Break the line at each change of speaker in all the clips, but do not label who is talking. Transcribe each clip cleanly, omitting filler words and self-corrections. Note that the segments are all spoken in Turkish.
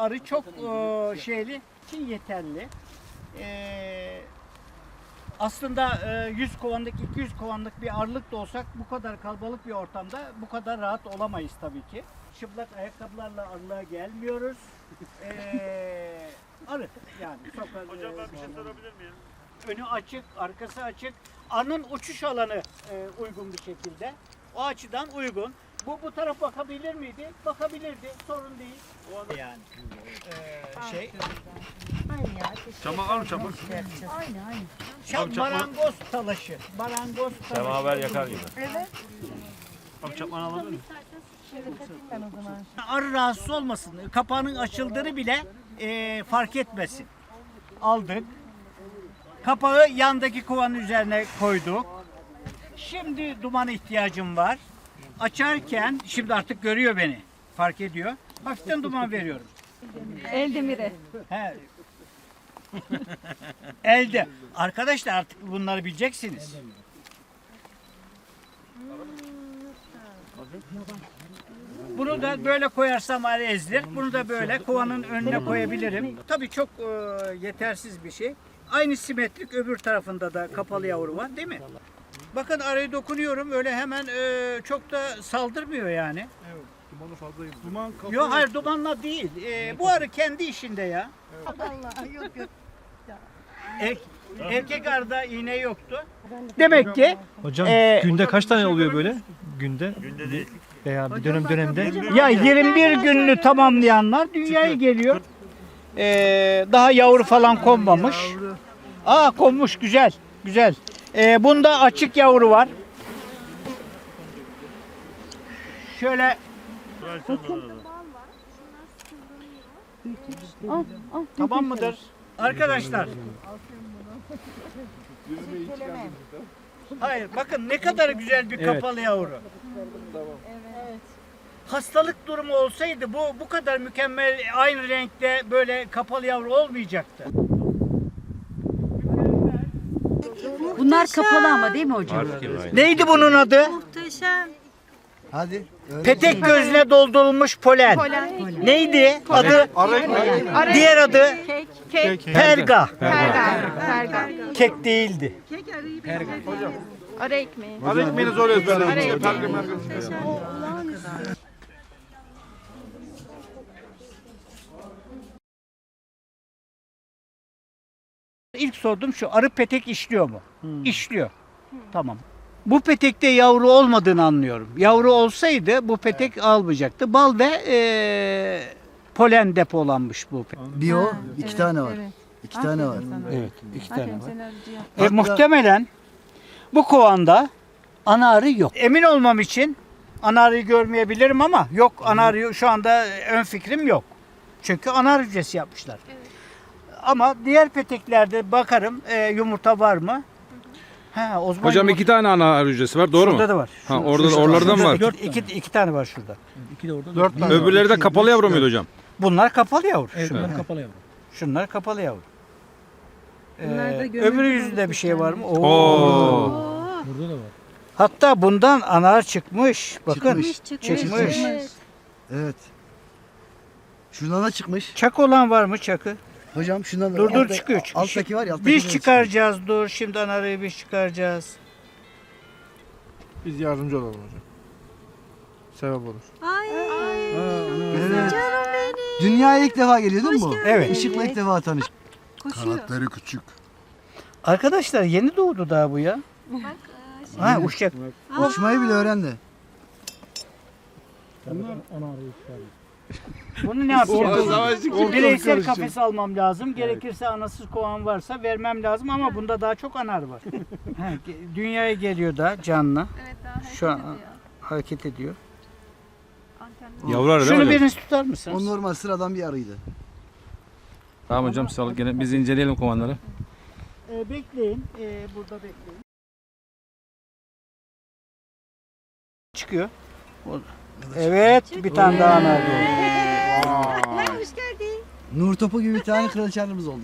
arı çok şeyli için yeterli. Aslında 100 kovanlık, 200 kovanlık bir arılık da olsak bu kadar kalabalık bir ortamda bu kadar rahat olamayız tabii ki. Çıplak ayakkabılarla arılığa gelmiyoruz. Arı yani.
Hocam ben bir şey sorabilir miyim?
Önü açık, arkası açık. Arının uçuş alanı uygun bir şekilde. O açıdan uygun. Bu taraf bakabilir miydi? Bakabilirdi. Sorun değil. Yani
Çamak var mı çamak?
marangoz talaşı. Marangoz talaşı.
Semaver yakar gibi.
Evet.
Abi çakmağını alabilir miyim?
Şöyle katayım ben o zaman.
Arı rahatsız olmasın. Kapağının açıldığını bile fark etmesin. Aldık. Kapağı yandaki kovanın üzerine koyduk. Şimdi dumana ihtiyacım var. Açarken, şimdi artık görüyor beni. Fark ediyor. Hafiften duman veriyorum.
Eldemiri.
He. Elde. Arkadaşlar artık bunları bileceksiniz. Bunu da böyle koyarsam arı ezilir. Bunu da böyle kovanın önüne koyabilirim. Tabii çok yetersiz bir şey. Aynı simetrik öbür tarafında da kapalı yavru var değil mi? Bakın arayı dokunuyorum öyle hemen çok da saldırmıyor yani.
Evet. Dumanı fazla yedi. Duman kapı.
Yok hayır dumanla değil. Bu arı kendi işinde ya.
Allah yok yok.
Erkek arıda iğne yoktu. Demek ki
Hocam günde kaç tane oluyor böyle? Günde
Günde değil.
veya bir dönemde?
ya 21 gününü tamamlayanlar dünyaya geliyor. Daha yavru falan konmamış. Aa konmuş güzel. Güzel. Bunda açık yavru var. Şöyle tamam mıdır? Arkadaşlar. Hayır bakın ne kadar güzel bir kapalı yavru. Hastalık durumu olsaydı bu kadar mükemmel aynı renkte böyle kapalı yavru olmayacaktı.
Bunlar kapalı ama değil mi hocam?
Neydi bunun adı?
Muhteşem.
Hadi.
Petek gözüne doldurulmuş polen. Neydi adı? Diğer adı perga.
Perga.
Kek değildi.
Ara ekmeği.
Arı ekmeğini zor ezberledim.
İlk sordum şu arı petek işliyor mu? İşliyor. Tamam. Bu petekte yavru olmadığını anlıyorum. Yavru olsaydı bu petek almayacaktı. Bal ve polen depolanmış bu petek.
Bir o, iki tane var. İki tane var.
Evet, iki tane var.
Hatta-
Muhtemelen bu kovanda ana arı yok. Emin olmam için ana arıyı görmeyebilirim ama yok ana arıyı şu anda ön fikrim yok. Çünkü ana arı hücresi yapmışlar. Ama diğer peteklerde bakarım yumurta var mı? Ha, o zaman
Hocam iki tane ana arı hücresi var, doğru
şurada
mu?
da var.
Ha, orada oralardan var.
İki tane var şurada.
İki de orada.
Dört tane.
Öbürleri de kapalı yavru muydu hocam?
Bunlar kapalı yavru.
Bunlar kapalı yavru.
Şunlar kapalı yavru.
Bunlar da gömülü
Öbürü yüzünde bir şey var mı? Oo.
Burada da var.
Hatta bundan anar çıkmış. Bakın.
Çıkmış. Evet. Şundan da çıkmış.
Çak olan var mı çakı?
Hocam şundan da.
Dur çıkıyor.
Alttaki var ya. alttaki
Biz
de
çıkaracağız dur. Şimdi anarıyı biz çıkaracağız.
Biz yardımcı olalım hocam. Sebep olur.
Evet. Dünyaya ilk defa geliyor değil mi bu?
Evet.
Işıkla ilk defa tanış.
Kanatları küçük.
Arkadaşlar yeni doğdu daha bu ya. Ha uçacak.
Uçmayı bile öğrendi.
Bunu ne yapacağız?
Ortalık
Bireysel
karışacak.
kafes almam lazım. Gerekirse anasız kovan varsa vermem lazım ama bunda daha çok anar var. Ha, dünyaya geliyor da canlı.
Evet daha
Şu an hareket ediyor.
Yavru arı değil mi
Şunu
hocam?
biriniz tutar mısınız?
O normal sıradan bir arıydı.
Tamam hocam, sağlık, gene biz inceleyelim kovanları.
Bekleyin. Burada bekleyin. Çıkıyor. Evet, bir tane daha anar doğdu.
Hoş geldin.
Nur topu gibi bir tane kraliçemiz oldu.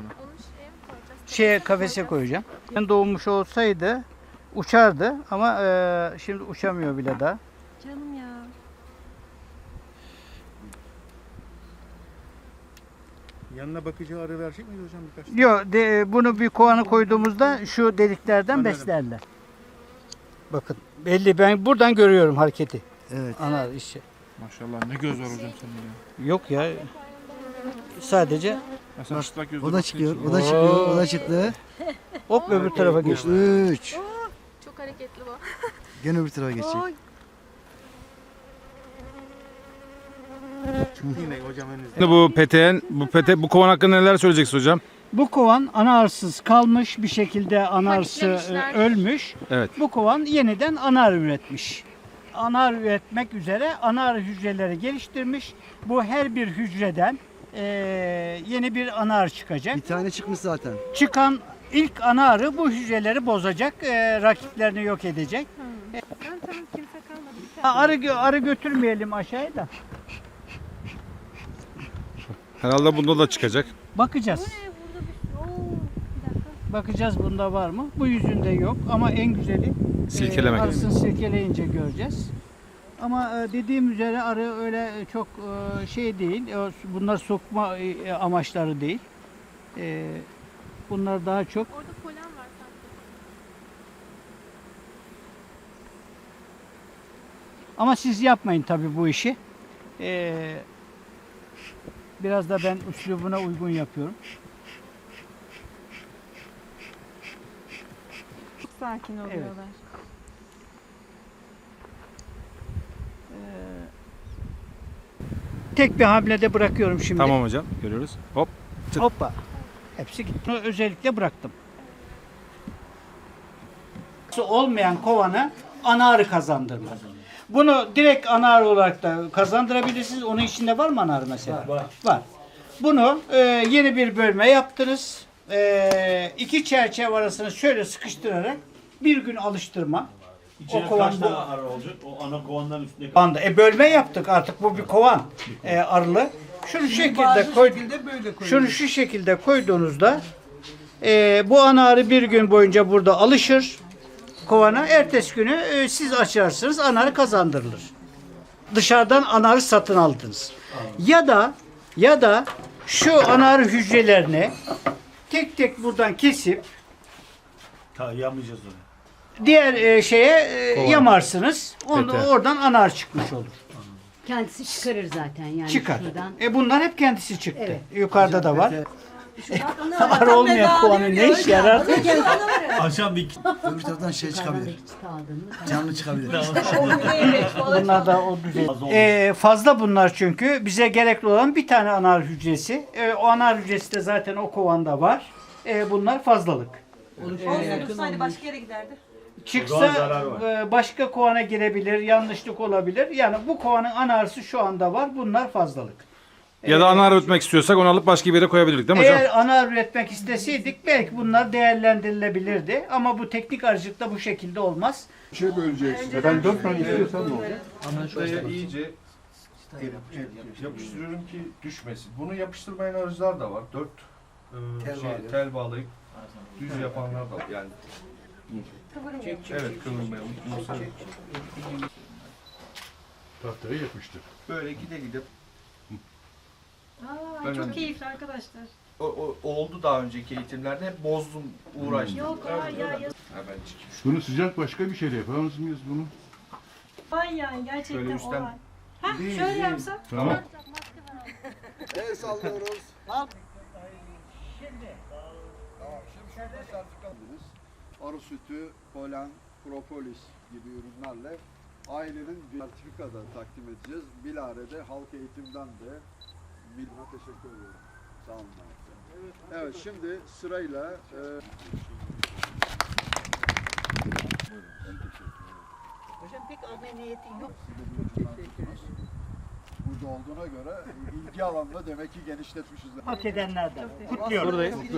Kafese koyacağım. Doğmuş olsaydı uçardı ama şimdi uçamıyor bile daha.
Canım ya.
Yanına bakıcı arı verecek miyiz hocam birkaç?
Yok, bunu bir kovanı koyduğumuzda şu deliklerden
Anladım.
beslerler. Bakın belli, ben buradan görüyorum hareketi.
Evet.
Anar işi.
Maşallah ne göz var hocam senin ya.
Yok ya. Sadece
Ya sen çıplak gözle
O da
baktığın
çıkıyor,
için-
o da çıkıyor, o da çıktı.
hop öbür tarafa geçti.
3.
Çok hareketli bu.
Gene öbür tarafa geçecek.
Oy.
Yine hocam önünüzde.
Şimdi bu kovan hakkında neler söyleyeceksiniz hocam?
Bu kovan anarsız kalmış bir şekilde, anarsı
Paketlemişler.
ölmüş.
Evet.
Bu kovan yeniden anar üretmiş. Anar üretmek üzere anar hücreleri geliştirmiş. Bu her bir hücreden yeni bir anar çıkacak.
Bir tane çıkmış zaten.
Çıkan ilk anarı bu hücreleri bozacak, rakiplerini yok edecek.
Tamam kimse kalmadı.
Arı götürmeyelim aşağıya da.
Herhalde bunda da çıkacak.
Bakacağız. Bakacağız bunda var mı? Bu yüzünde yok ama en güzeli
Silkelemek.
arısını silkeleyince göreceğiz. Ama dediğim üzere arı öyle çok şey değil. Bunlar sokma amaçları değil. Bunlar daha çok
Orada polen var sanki.
ama siz yapmayın tabii bu işi. Biraz da ben üslubuna uygun yapıyorum.
Çok sakin oluyorlar.
Tek bir hamlede bırakıyorum şimdi.
Tamam hocam. Görüyoruz. Hop. Çık.
Hoppa. Hepsi gitti. Bunu özellikle bıraktım. Olmayan kovanı ana arı kazandırmaz. Bunu direkt ana arı olarak da kazandırabilirsiniz. Onun içinde var mı ana arı mesela? Var. Bunu yeni bir bölme yaptınız. İki çerçeve arasını şöyle sıkıştırarak bir gün alıştırma.
İçine kaç tane arı olacak? O ana kovandan üstüne
Anda. Bölme yaptık artık, bu bir kovan arılı. Şunu şu şekilde koy. Şunu şu şekilde koyduğunuzda bu ana arı bir gün boyunca burada alışır kovana. Ertesi günü siz açarsınız, ana arı kazandırılır. Dışarıdan ana arı satın aldınız. Ya da şu ana arı hücrelerini tek tek buradan kesip
yamayacağız onu.
diğer şeye yamarsınız. Oradan ana arı çıkmış olur.
Kendisi çıkarır zaten yani
Çıkar.
şuradan.
Bunlar hep kendisi çıktı.
Evet.
Yukarıda da var. Arı olmayan kovanın ne işe yarar?
Akşam bir
Öbür taraftan şey çıkabilir.
Aldın mı?
Canlı çıkabilir.
Bunlar da o düzey. Fazla bunlar çünkü. Bize gerekli olan bir tane anar hücresi. O anar hücresi de zaten o kovanda var. Bunlar fazlalık.
Olsaydı başka yere giderdi.
Çıksa başka kovana girebilir, yanlışlık olabilir. Yani bu kovanın anarısı şu anda var. Bunlar fazlalık.
Ya da ana arı üretmek istiyorsak onu alıp başka bir yere koyabilirdik değil mi hocam?
Eğer ana arı üretmek isteseydik belki bunlar değerlendirilebilirdi. Ama bu teknik arıcılıkta bu şekilde olmaz.
Bir şey böleceksin.
Ben 4 tane istiyorsam ne olacak?
Buraya iyice yapıştırıyorum ki düşmesin. Bunu yapıştırmayan arıcılar da var. 4 tel bağlayıp düz yapanlar da var. Yani evet, kıvırmayalım.
Tahtayı yapıştır.
Böyle gide gide.
Çok keyifli arkadaşlar.
O oldu daha önceki eğitimlerde, hep bozdum, uğraştım.
Yok hayır ya.
Hemen çıkayım.
Bunu sıcak başka bir şeyle yapamaz mıyız bunu?
Ay yani gerçekten
Şöyle üstten-
olay. Hah şöyle yapsa.
Tamam.
El sallıyoruz.
Arı sütü, polen, propolis gibi ürünlerle ailenin bir sertifika da takdim edeceğiz. Bilare'de halk eğitimden de bilme teşekkür ediyorum. Sağ olun. Evet, şimdi sırayla
Hocam pek almaya niyetin yok.
burada olduğuna göre ilgi alanında demek ki genişletmişiz.
Hak edenlerden. Kutluyorum.
Sağ olun.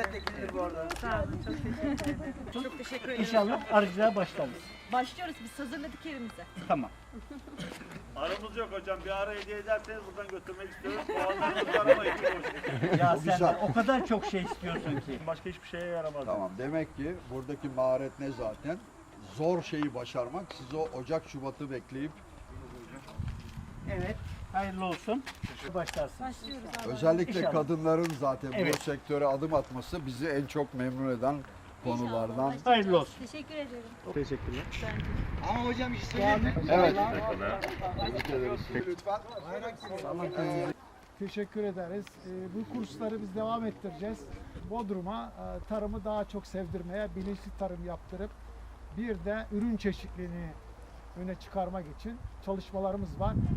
Çok teşekkür ederim.
İnşallah arıcılığa başlarız.
Başlıyoruz biz hazırladık yerimize.
Tamam.
aramız yok hocam. Bir ara hediye ederseniz buradan götürmek istiyoruz. Kovanlarınızı aramayın.
Ya sen o kadar çok şey istiyorsun ki.
Başka hiçbir şeye yaramaz.
Tamam, demek ki buradaki maharet ne zaten? Zor şeyi başarmak. Siz o Ocak Şubat'ı bekleyip
Evet. Hayırlı olsun. Başlarsın.
Başlıyoruz abi.
Özellikle
İnşallah.
kadınların zaten
Evet.
bu sektöre adım atması bizi en çok memnun eden konulardan.
Hayırlı olsun.
Teşekkür ederim.
Teşekkürler.
Ama hocam bir şey söyleyeyim mi?
Evet.
Lütfen.
Teşekkür ederiz. Bu kursları biz devam ettireceğiz. Bodrum'a tarımı daha çok sevdirmeye, bilinçli tarım yaptırıp bir de ürün çeşitliliğini öne çıkarmak için çalışmalarımız var.